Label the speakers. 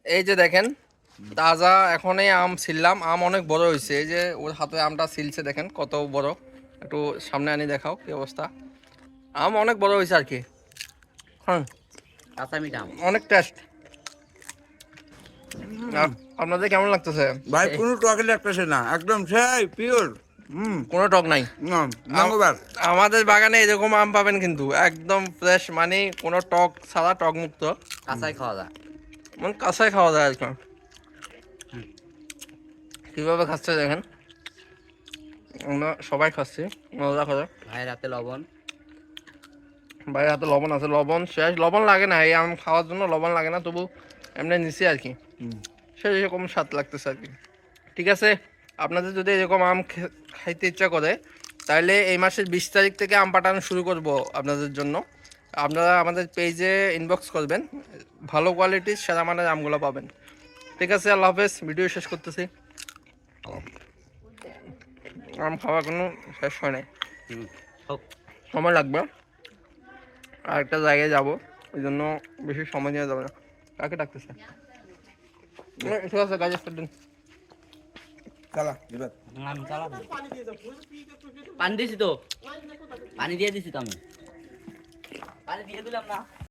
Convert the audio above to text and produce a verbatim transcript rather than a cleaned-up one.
Speaker 1: এই যে দেখেন তাজা এখনই আম ছিললাম, আম অনেক বড় হয়েছে। এই যে ওর হাতে আমটা ছিলছে দেখেন কত বড়, একটু সামনে আনি দেখাও কি অবস্থা। আম অনেক বড় হয়েছে আর কি। হ্যাঁ
Speaker 2: কাঁচা মিঠা আম
Speaker 1: অনেক টেস্ট। আপনাদের কেমন লাগতেছে?
Speaker 3: ভাই কোনো টকে লাগতেছে না, একদম সেই পিওর। হুম,
Speaker 1: কোনো টক নাই।
Speaker 3: ম্যাঙ্গোবার।
Speaker 1: আমাদের বাগানে এরকম আম পাবেন কিন্তু একদম ফ্রেশ, মানে কোনো টক ছাড়া, টক মুক্ত,
Speaker 2: কাঁচাই খাওয়া যায়।
Speaker 1: মানে কাঁচাই খাওয়া যায় আর কি। কীভাবে খাচ্ছে দেখেন, আমরা সবাই খাচ্ছি মজা করে।
Speaker 2: ভাইয়ের হাতে লবণ,
Speaker 1: বাইরে হাতে লবণ আছে, লবণ শেষ, লবণ লাগে না এই আম খাওয়ার জন্য, লবণ লাগে না, তবু এমনি নিছি আর কি। সেরকম স্বাদ লাগতেছে আর কি। ঠিক আছে, আপনাদের যদি এরকম আম খাইতে ইচ্ছা করে তাহলে এই মাসের বিশ তারিখ থেকে আম পাঠানো শুরু করব আপনাদের জন্য। আপনারা আমাদের পেজে ইনবক্স করবেন, ভালো কোয়ালিটির সেরা মানের আমগুলো পাবেন। ঠিক আছে, আল্লাহ হাফেজ, ভিডিও শেষ করতেছি। আম খাওয়া কোনো শেষ হয় নাই, সময় লাগবে, আর একটা জায়গায় যাবো, ওই জন্য বেশি সময় নেওয়া যাবে না। কাকে ডাকতেছে? ঠিক আছে, গাড়ি স্টার্ট দিন।
Speaker 3: চালা এবার
Speaker 2: আমি চালাবো। পানি দিয়েছি তো, পানি দিয়ে দিছি তো আমি, পানি দিয়ে দিলাম না।